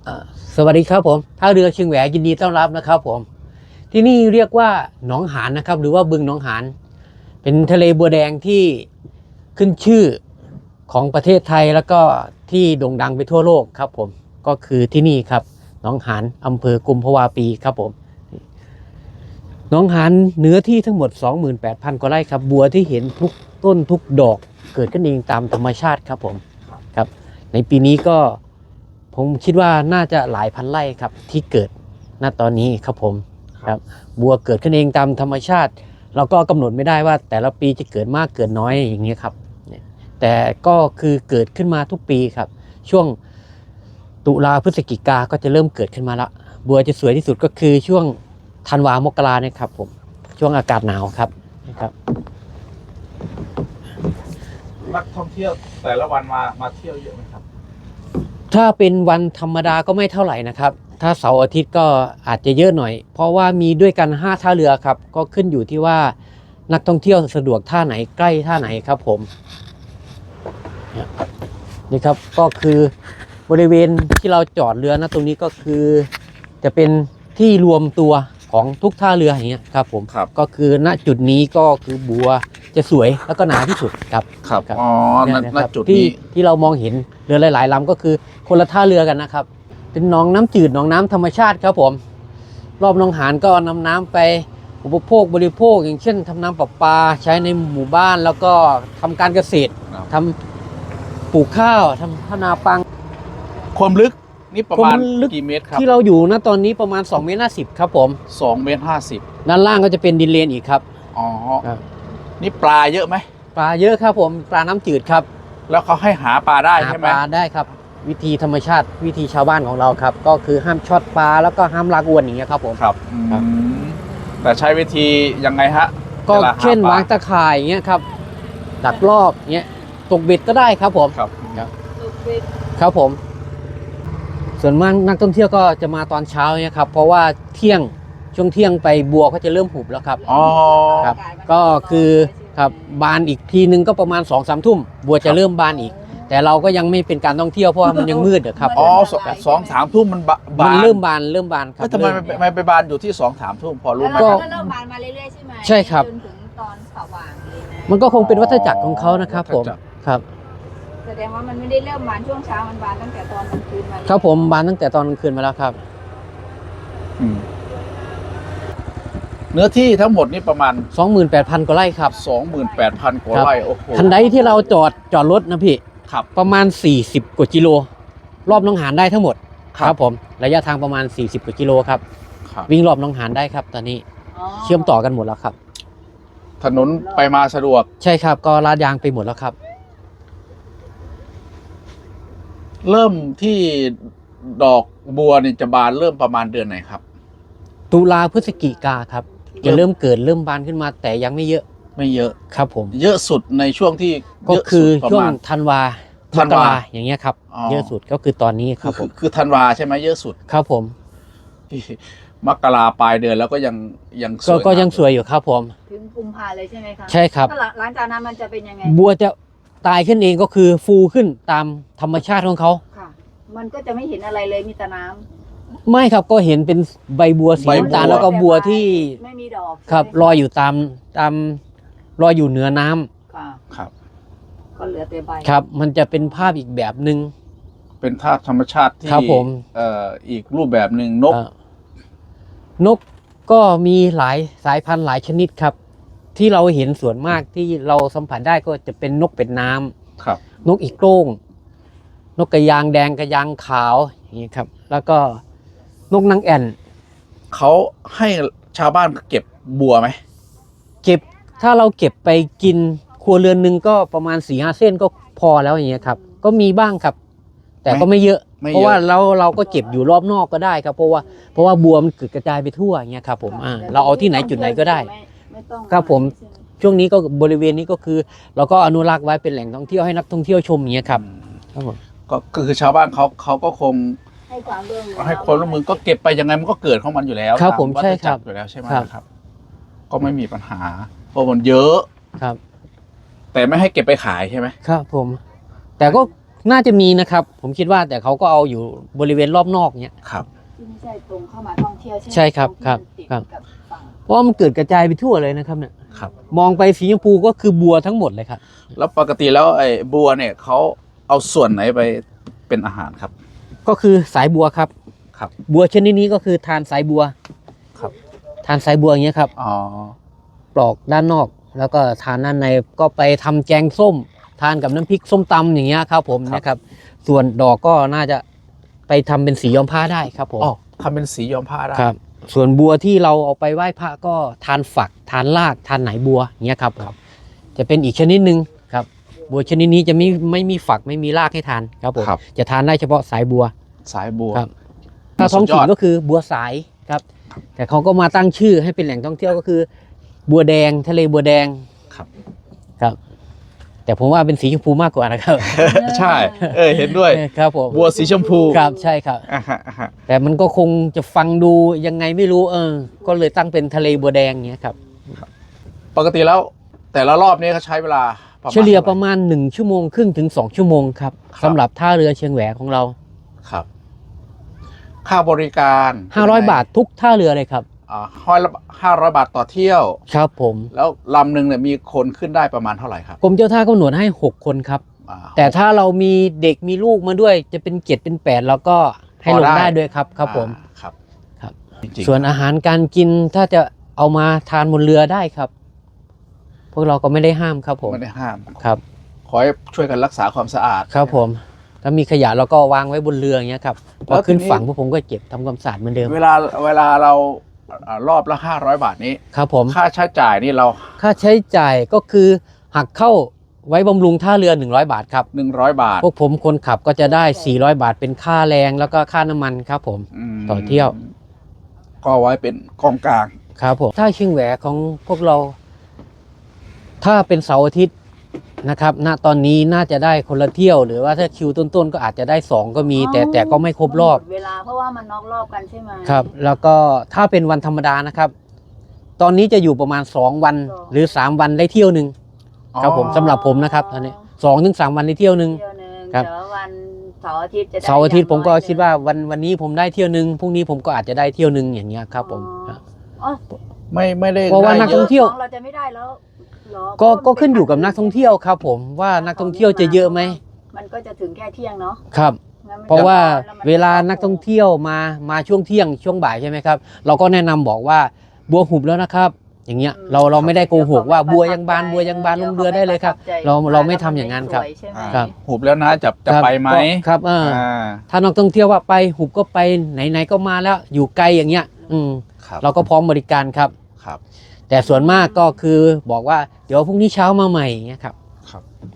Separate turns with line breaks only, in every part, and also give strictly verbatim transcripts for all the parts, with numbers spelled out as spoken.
สวัสดีครับผมท่าเรือเชียงแหวยินดีต้อนรับนะครับผมที่นี่เรียกว่าหนองหานนะครับหรือว่าบึงหนองหานเป็นทะเลบัวแดงที่ขึ้นชื่อของประเทศไทยแล้วก็ที่โด่งดังไปทั่วโลกครับผมก็คือที่นี่ครับหนองหานอำเภอกุมภาวาปีครับผมหนองหานเนื้อที่ทั้งหมด สองหมื่นแปดพัน กว่าไร่ครับบัวที่เห็นทุกต้นทุกดอกเกิดขึ้นเองตามธรรมชาติครับผมครับในปีนี้ก็ผมคิดว่าน่าจะหลายพันไร่ครับที่เกิดณตอนนี้ครับผมครับบัวเกิดขึ้นเองตามธรรมชาติเราก็กำหนดไม่ได้ว่าแต่ละปีจะเกิดมากเกิดน้อยอย่างนี้ครับแต่ก็คือเกิดขึ้นมาทุกปีครับช่วงตุลาพฤศจิกาก็จะเริ่มเกิดขึ้นมาละบัวจะสวยที่สุดก็คือช่วงธันวามกราเนี่ยครับผมช่วงอากาศหนาวครับนะครับ
นักท่องเที่ยวแต่ละวันมามาเที่ยวเยอะไหมครับ
ถ้าเป็นวันธรรมดาก็ไม่เท่าไหร่นะครับถ้าเสาร์อาทิตย์ก็อาจจะเยอะหน่อยเพราะว่ามีด้วยกันห้าท่าเรือครับก็ขึ้นอยู่ที่ว่านักท่องเที่ยวสะดวกท่าไหนใกล้ท่าไหนครับผมนี่ครับก็คือบริเวณที่เราจอดเรือนะตรงนี้ก็คือจะเป็นที่รวมตัวของทุกท่าเรืออย่างเงี้ยครับผม
ครับ
ก็คือณจุดนี้ก็คือบัวจะสวยแล้วก็หนาที่สุดครับ
ครับอ๋อณจุด
ที่
นี้
ที่เรามองเห็นเรือหลายๆลำก็คือคนละท่าเรือกันนะครับเป็นหนองน้ำจืดหนองน้ำธรรมชาติครับผมรอบหนองหานก็นำน้ำไปอุปโภคบริโภคอย่างเช่นทำน้ำประปาใช้ในหมู่บ้านแล้วก็ทำการเกษตรทำปลูกข้าวทำพนาปัง
ความลึกนี่ประมาณกี่เมตรครับ
ที่เราอยู่ณตอนนี้ประมาณสองเมตรห้าสิบครับผม
สองเมตรห้าสิบ
ด้านล่างก็จะเป็นดินเลนอีกครับ
อ๋อนี่ปลาเยอะไหม
ปลาเยอะครับผมปลาน้ำจืดครับ
แล้วเขาให้หาปลาได้ใช่ไหม
หาปลาได้ครับวิธีธรรมชาติวิธีชาวบ้านของเราครับก็คือห้ามช็อตปลาแล้วก็ห้ามลากอวนอย่างเงี้ยครับผม
ครับแต่ใช้วิธียังไงฮะ
ก็เช่นวางตะข่ายอย่างเงี้ยครับดักรอบเงี้ยตกเบ็ดก็ได้ครับผม
ครับ
ครับผมส่วนมากนักท่องเที่ยวก็จะมาตอนเช้าเนี่ยครับเพราะว่าเที่ยงช่วงเที่ยงไปบัวก็จะเริ่มหุบแล้วครับ
อ๋อ
ครับก็คือครับบานอีกทีนึงก็ประมาณสองสามทุ่มบัวจะเริ่มบานอีกแต่เราก็ยังไม่เป็นการท่องเที่ยวเพราะว่ามันยังมืดครับ
อ๋อสองสามทุ่มมันบาน
เริ่มบานเริ่มบานครับ
ทำไมไม่ไปบานอยู่ที่สองสามทุ่มพอรู้ไหม
ก็เริ่มบานมาเรื่อยๆใช่ไหม
ใช่ครับ
จนถึงตอนสว่างเลยนะ
มันก็คงเป็นวัฏจักรของเขานะครับผมครับ
แสดงว่ามันไม่ได้เริ่มบานช่วงเช้ามันบานตั้งแต่ตอนกลางคืนมา
ครับผมบานตั้งแต่ตอนกลางคืนมาแล้วครับ
เนื้อที่ทั้งหมดนี่ประมาณ
สองหมื่นแปดพัน กว่าไร่ครับ
สองหมื่นแปดพัน กว่าไร่โอ้โห
ทันใดที่เราจอดจอดรถนะพี่
ครับ
ประมาณสี่สิบกว่ากิโลรอบหนองหานได้ทั้งหมดครับผมระยะทางประมาณสี่สิบกว่ากิโลครับวิ่งรอบหนองหานได้ครับตอนนี้เชื่อมต่อกันหมดแล้วครับ
ถนนไปมาสะดวก
ใช่ครับก็ลาดยางไปหมดแล้วครับ
เริ่มที่ดอกบัวนี่จะบานเริ่มประมาณเดือนไหนครับ
ตุลาพฤศจิกาครับจะเริ่มเกิดเริ่มบานขึ้นมาแต่ยังไม่เยอะ
ไม่เยอะ
ครับผม
เยอะสุดในช่วงที่
ก็คือช่วงธันวาธันวาอย่างเงี้ยครับเยอะสุดก็คือตอนนี้ครับผม
คือธันวาใช่ไหมเยอะสุด
ครับผม
มกราปลายเดือนแล้วก็ยังยัง
สวยก็ยังสวยอยู่ครับผม
ถึงกุมภาเลยใช่ไหมคะ
ใช่ครับ
หลังจากนั้นมันจะเป็นยังไง
บัวจะตายขึ้นเองก็คือฟูขึ้นตามธรรมชาติของเขา
ค่ะมันก็จะไม่เห็นอะไรเลยมีแต่น้
ำไม่ครับก็เห็นเป็นใบบัวสีน้ำตาลแล้วก็บัวที่
ไม่มีดอก
ครับลอยอยู่ตามตามลอยอยู่เหนือน้
ำค่ะ
ครับ
ก็เหลือแต่ใบ
ครับมันจะเป็นภาพอีกแบบหนึ่ง
เป็นภาพธรรมชาติที่
ครับผม
เอ่ออีกรูปแบบหนึ่งนก
นกก็มีหลายสายพันธุ์หลายชนิดครับที่เราเห็นส่วนมากที่เราสัมผัสได้ก็จะเป็นนกเป็ดน้ำ
ครับ
นกอีโก้งนกกระยางแดงกระยางขาวอย่างนี้ครับแล้วก็นกนางแอ่น
เขาให้ชาวบ้านเก็บบัวไหม
เก็บถ้าเราเก็บไปกินครัวเรือนหนึ่งก็ประมาณสี่ห้าเส้นก็พอแล้วอย่างเงี้ยครับก็มีบ้างครับแต่ก็ไม่เยอะเพราะว่าเราเราก็เก็บอยู่รอบนอกก็ได้ครับเพราะว่าเพราะว่าบัวมันกระจายไปทั่วอย่างเงี้ยครับผมอ่าเราเอาที่ไหนจุดไหนก็ได้ครับผมช่วงนี้ก็บริเวณนี้ก็คือเราก็อนุรักษ์ไว้เป็นแหล่งท่องเที่ยวให้นักท่องเที่ยวชมอย่างเงี้ยครับครับผม
ก็คือชาวบ้านเขาเขาก็คง
ให้ความร่วมมือ
ให้ความร่วมมือก็เก็บไปยังไงมันก็เกิดของมันอยู่แล้ว
ครับผมใช่ครับ
อยู่แล้วใช่ไหมครับก็ไม่มีปัญหาเพราะมันเยอะ
ครับ
แต่ไม่ให้เก็บไปขายใช่ไหม
ครับผมแต่ก็น่าจะมีนะครับ ผมคิดว่าแต่เขาก็เอาอยู่บริเวณรอบนอกเนี้ย
ครับ
ที่ไม่ใช่ตรงเข้ามาท่องเที่ยวใช่ไหม
ใช่ครับ
ตงที่
ครับ
มันติด
ครับ
กับฝั่ง
เพราะว่ามันเกิดกระจายไปทั่วเลยนะครับเนี่ย
ครับ
มองไปสีชมพูก็คือบัวทั้งหมดเลยครับ
แล้วปกติแล้วไอ้บัวเนี่ยเขาเอาส่วนไหนไปเป็นอาหารครับ
ก็คือสายบัวครับ
ครับ
บัวชนิดนี้ก็คือทานสายบัว
ครับ
ทานสายบัวอย่างเงี้ยครับ
อ๋อ
ปลอกด้านนอก แล้วก็ทานด้านในก็ไปทำแกงส้ม ทานกับน้ำพริกส้มตำอย่างเงี้ยครับผมนะครับ ส่วนดอกก็น่าจะไปทำเป็นสีย้อมผ้าได้ครับผม
อ๋อทำเป็นสีย้อมผ้าได้
ครับ ส่วนบัวที่เราเอาไปไหว้พระก็ทานฝัก ทานราก ทานไหนบัวอย่างเงี้ยครับครับ จะเป็นอีกชนิดหนึ่งครับ บัวชนิดนี้จะไม่ไม่มีฝักไม่มีรากให้ทานครับผม
ครับ
จะทานได้เฉพาะสายบัว
สายบัว
ครับ ถ้าท้องถิ่
สุ
น
ดยอด
ก็คือบัวสายครับ แต่เขาก็มาตั้งชื่อให้เป็นแหล่งท่องเที่ยวก็คือ บัวแดงทะเลบัวแดง
ครับ
ครับ แต่ผมว่าเป็นสีชมพูมากกว่านะครับ
ใช่ เออเห็นด้วย
ครับผม
บัวสีชมพู
ครับใช่ครับ
อ่าฮะอ่าฮะ
แต่มันก็คงจะฟังดูยังไงไม่รู้เออ ก็เลยตั้งเป็นทะเลบัวแดงเงี้ยครับ
ปกติแล้วแต่ละรอบนี้เขาใช้เวลาประมาณ
เฉลี่ย
ท่าไห
ประมาณหนึ่งชั่วโมงครึ่งถึงสองชั่วโมงครับ
ครับ
สำหรับท่าเรือเชียงแหวของเรา
ครับ ค่าบริการ
ห้าร้อยบาททุกท่าเรือเลยครับ
อ่าห้อยละห้าร้อยบาทต่อเที่ยว
ครับผม
แล้วลำหนึ่งเนี่ยมีคนขึ้นได้ประมาณเท่าไหร่ครับ
กรมเจ้าท่ากำหนดให้หกคนครับ
อ่า
แต่ถ้าเรามีเด็กมีลูกมาด้วยจะเป็นเจ็ดเป็นแปดเราก็ให้ลงได้ด้วยครับครับผม
อ่าครับ
ครับ
จริงๆ
ส่วนอาหารการกินถ้าจะเอามาทานบนเรือได้ครับ พวกเราก็ไม่ได้ห้ามครับผม
ไม่ได้ห้าม
ครับ
ขอให้ช่วยกันรักษาความสะอาด
ครับผม ถ้ามีขยะเราก็วางไว้บนเรืออย่างเงี้ยครับพ
แล้
อ
ว
ขึ้น
ทีนี้
ฝั่งพวกผมก็เก็บทำความสะอาดเหมือนเดิม
เวลาเวลาเราอ่ารอบละห้าร้อยบาทนี้
ครับผม
ค่าใช้จ่ายนี่เรา
ค่าใช้จ่ายก็คือหักเข้าไว้บำรุงท่าเรือหนึ่งร้อยบาทครับ
หนึ่งร้อยบาท
พวกผมคนขับก็จะได้สี่ร้อยบาทเป็นค่าแรงแล้วก็ค่าน้ำมันครับผม
ม
ต่อเที่ยว
ก็ไว้เป็นกองกลาง
ครับผมถ้าเชียงแหวของพวกเรา ถ้าเป็นเสาร์อาทิตย์นะครับ ณตอนนี้น่าจะได้คนละเที่ยว หรือว่าถ้าคิวต้นๆก็อาจจะได้สองก็มี แต่แต่ก็ไม่ครบรอบ
หมดเวลาเพราะว่ามันนอกรอบกันใช่ไหม
ครับ แล้วก็ถ้าเป็นวันธรรมดานะครับ ตอนนี้จะอยู่ประมาณสองวัน
สอง
หรือสามวันได้เที่ยวหนึ่ง ครับผม
อ๋อ
สำหรับผมนะครับตอนนี้สองถึงสามวันได้เที่ยวหนึ่ง
เที่ยวหนึ่ง
ครับ
แต่ว่าวันเสาร์อาทิตย์จะได้
เสาร์อาทิตย์ผมก็
อย่งน้อย
คิดว่าวันวันนี้ผมได้เที่ยวหนึ่งพรุ่งนี้ผมก็อาจจะได้เที่ยวหนึ่งอย่างเงี้ยครับผม
อ๋ออ๋อ
ไม่ไม่ได้
เพราะว่า
ได้
นัก
เย
ท่อ
อะ
งเที่ยว
ของเราจะไม่ได้แล้วเหรอ
ก็
เพราะ
ก็ขึ้นอยู่กับนักท่องเที่ยวครับ ผมว่านักท่องเที่ยวจะเยอะไหม
มันก็จะถึงแค่เที่ยงเนาะ
ครับ
งั้นมัน
เพราะว่า
แล้มัน
เวลานักท่องเที่ยวมามาช่วงเที่ยงช่วงบ่ายใช่ไหมครับ เราก็แนะนำบอกว่าบัวหุบแล้วนะครับ อย่างเงี้ยเราเราไม่ได้โกหกว่าบัวยังบานบัวยังบานลงเรือได้เลยครับ เราเราไม่ทำอย่างนั้นครับ
สวยใช่ไหม
ครับ
หุบแล้วนะจะจะ
ครับ
ไปไหม
ก็ครับเอออ
อ่า
ถ้านักท่องเที่ยวว่าไปหุบก็ไปไหนๆก็มาแล้วอยู่ไกลอย่างเงี้ย อืม
ครับ
เราก็พร้อมบริการครับ
ครับ
แต่ส่วนมากก็คือบอกว่าเดี๋ยวพรุ่งนี้เช้ามาใหม่อย่างเงี้ยครับ
ครับ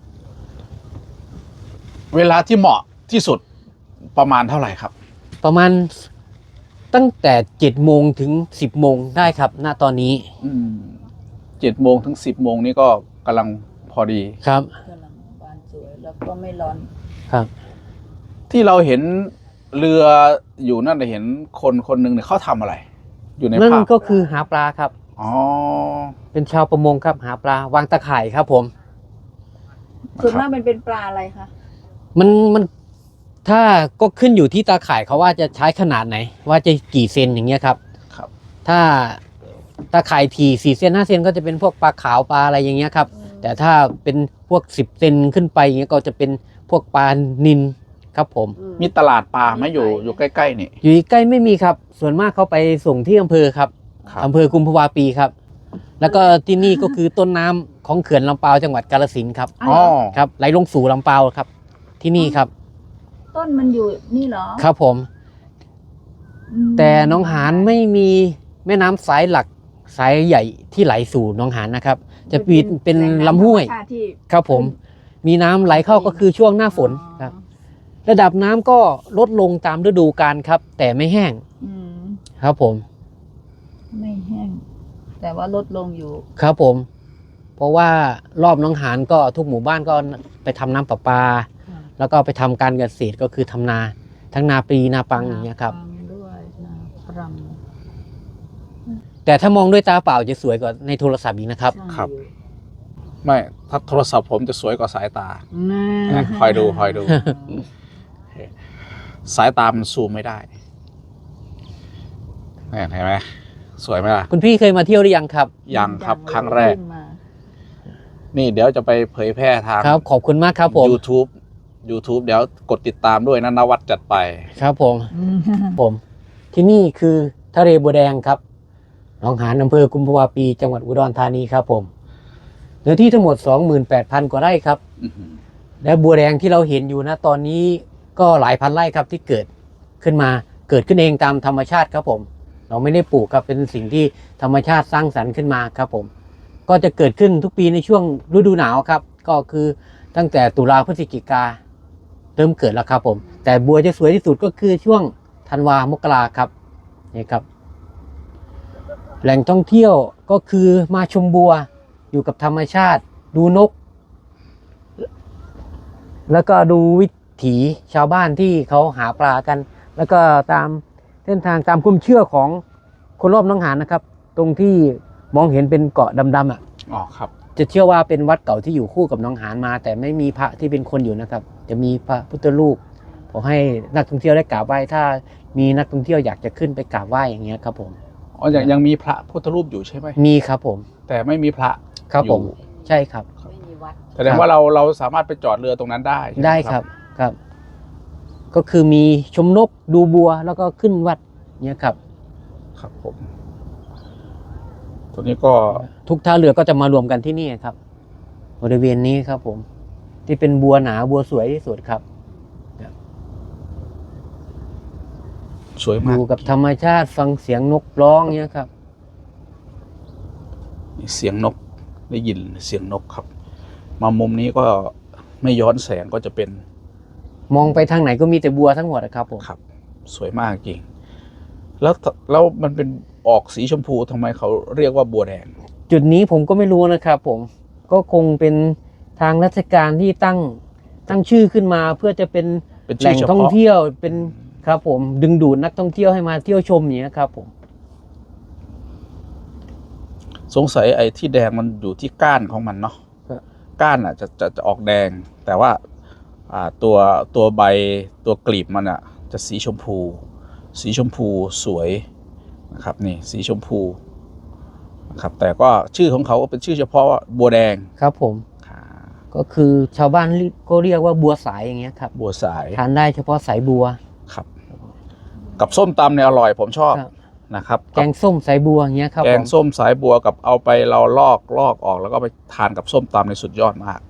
เวลาที่เหมาะที่สุดประมาณเท่าไหร่ครับ
ประมาณตั้งแต่เจ็ดโมงถึงสิบโมงได้ครับณตอนนี้
อืมเจ็ดโมงถึงสิบโมงนี่ก็กำลังพอดี
ครับ
กำลังบานสวยแล้วก็ไม่ร้อน
ครับ
ที่เราเห็นเรืออยู่นั่นเราเห็นคนคนหนึ่งเนี่ยเขาทำอะไร อยู่ใน
นั่น
ภาพ
ก็คือหาปลาครับ
อ๋อ
เป็นชาวประมงครับหาปลาวางตะข่ายครับผม
ส่วนมากมันเป็นปลาอะไรคะ
มันมันถ้าก็ขึ้นอยู่ที่ตาข่ายเขาว่าจะใช้ขนาดไหน ว่าจะกี่เซนอย่างเงี้ยครับ
ครับ
ถ้าตาข่ายทีสี่เซนห้าเซนก็จะเป็นพวกปลาขาวปลาอะไรอย่างเงี้ยครับ แต่ถ้าเป็นพวกสิบเซนขึ้นไปอย่างเงี้ยก็จะเป็นพวกปลานิลครับผม
อื
มีตลาดปลาไหมอยู่อยู่ใกล้ๆนี่
อยู่ใกล้ไม่มีครับ ส่วนมากเขาไปส่งที่อำเภอครับ
ครับ
อำเภอกุมภาวาปีครับ แล้วก็ที่นี่ก็คือต้นน้ำของเขื่อนลำปาวจังหวัดกาฬสินธุ์ครับ
อ๋อ
ครับไหลลงสู่ลำปาวครับ ที่นี่ครับ
ต้นมันอยู่นี่เหรอ
ครับผม
อืม
แต่หน้องหานไม่มีแม่น้ำสายหลักสายใหญ่ที่ไหลสู่หน้องหานนะครับ จะปีนเป็น
แหงำ
ลำห้วย
ธรรมชาติที่
ครับผม มีน้ำไหลเข้าก็คือช่วงหน้าฝนครับ ระดับน้ำก็ลดลงตามฤดูกาลครับ แต่ไม่แห้ง
อืม
ครับผม
ไม่แห้ง แต่ว่าลดลงอยู่
ครับผม เพราะว่ารอบหน้องหานก็ทุกหมู่บ้านก็ไปทำน้ำประปา แล้วก็ไปทำการเกษตรก็คือทำนา ทั้งนาปลีนาปังอย่างเงี้ยครับ
นาปังด้วยนาปรัง
แต่ถ้ามองด้วยตาเปล่าจะสวยกว่าในโทรศัพท์อีกนะครับ
ใช่
ครับ
อ
ไม่ถ้าโทรศัพท์ผมจะสวยกว่าสายตา
น่า
คอยดูคอยดู สายตามันซูมไม่ได้เนี่ยเห็นไหมสวยไหมล่ะ
คุณพี่เคยมาเที่ยวหรือยังครับ
ยังครับ
ยังเลย
ครั้งแรก
ขึ้นมา
นี่เดี๋ยวจะไปเผยแพร่ทาง
ครับ ขอบคุณมากครับผม
YouTube YouTube เดี๋ยวกดติดตามด้วยนะนวัดจัดไป
ครับผม
อืม
ผมที่นี่คือทะเลบัวแดงครับหนองหานอำเภอกุมภาวะปีจังหวัดอุดรธานีครับผมเนื้อที่ทั้งหมด สองหมื่นแปดพัน กว่าไร่ครับ
อื้อหือ
และบัวแดงที่เราเห็นอยู่นะตอนนี้ก็หลายพันไร่ครับที่เกิดขึ้นมาเกิดขึ้นเองตามธรรมชาติครับผม เราไม่ได้ปลูกครับเป็นสิ่งที่ธรรมชาติสร้างสรรค์ขึ้นมาครับผม ก็จะเกิดขึ้นทุกปีในช่วงฤดูหนาวครับ ก็คือตั้งแต่ตุลาพฤศจิกาเริ่มเกิดแล้วครับผม แต่บัวจะสวยที่สุดก็คือช่วงธันวามกราครับนี่ครับ แหล่งท่องเที่ยวก็คือมาชมบัวอยู่กับธรรมชาติ ดูนก แล้วก็ดูวิถีชาวบ้านที่เขาหาปลากัน แล้วก็ตามเส้นทางตามความเชื่อของคนรอบหนองหานนะครับ ตรงที่มองเห็นเป็นเกาะดำๆอ่ะ
อ๋อครับ
จะเชื่อว่าเป็นวัดเก่าที่อยู่คู่กับหนองหานมา แต่ไม่มีพระที่เป็นคนอยู่นะครับ จะมีพระพุทธรูปขอให้นักท่องเที่ยวได้กราบไหว้ถ้ามีนักท่องเที่ยวอยากจะขึ้นไปกราบไหว้อย่างเงี้ยครับผม
อ๋อยังยังมีพระพุทธรูปอยู่ใช่ไหม
มีครับผม
แต่ไม่มีพระ
ครับผม
อยู่
ใช่ครับ
ไม่มีวัด
แสดงว่าเราเราสามารถไปจอดเรือตรงนั้นได้ใช่หม
ได้ครับครับ ก็คือมีชมนกดูบัวแล้วก็ขึ้นวัดเนี่ยครับ
ครับผมตัวนี้ก็
ทุกท่าเรือก็จะมารวมกันที่นี่ครับ บริเวณนี้ครับผม ที่เป็นบัวหนาบัวสวยที่สุดครับ
สวย
อ
มาก
ยู่กับธรรมชาติฟังเสียงนกร้องเนี่ยครับ
เสียงนกได้ยินเสียงนกครับ มามุมนี้ก็ไม่ย้อนแสงก็จะเป็น
มองไปทางไหนก็มีแต่บัวทั้งหมดนะครับผม
ครับ สวยมากจริง แล้วแล้วมันเป็นออกสีชมพูทำไมเขาเรียกว่าบัวแดง
จุดนี้ผมก็ไม่รู้นะครับผม ก็คงเป็นทางราชการที่ตั้งตั้งชื่อขึ้นมาเพื่อจะเป็น
เป็น
แห
ชื่
ล่
อง เฉ
ท่อง
พาะ
เที่ยวเป็นครับผม ดึงดูดนักท่องเที่ยวให้มาเที่ยวชมอย่างนี้ยครับผม
สงสัยไอ้ที่แดงมันอยู่ที่ก้านของมันเนาะ
ครับ
ก้านอ่ะจะจะจะออกแดง แต่ว่าอ่าตัวตัวใบตัวกลีบมันอ่ะ จะสีชมพู สีชมพูสวยนะครับนี่สีชมพูนะครับแต่ก็ชื่อของเขาก็เป็นชื่อเฉพาะว่าบัวแดง
ครับผม
อ่า
ก็คือชาวบ้านก็เรียกว่าบัวสายอย่างเงี้ยครับ
บัวสาย
ทานได้เฉพาะสายบัว
ครับ กับส้มตำเนี่ยอร่อยผมชอบ
ครับ
นะครับ
แกงส้มสายบัวอย่างเงี้ยครับ
แก
ผ
ง
ม
ส้มสายบัวกับเอาไปเราลอกลอกออกแล้วก็ไปทานกับส้มตำในสุดยอดมาก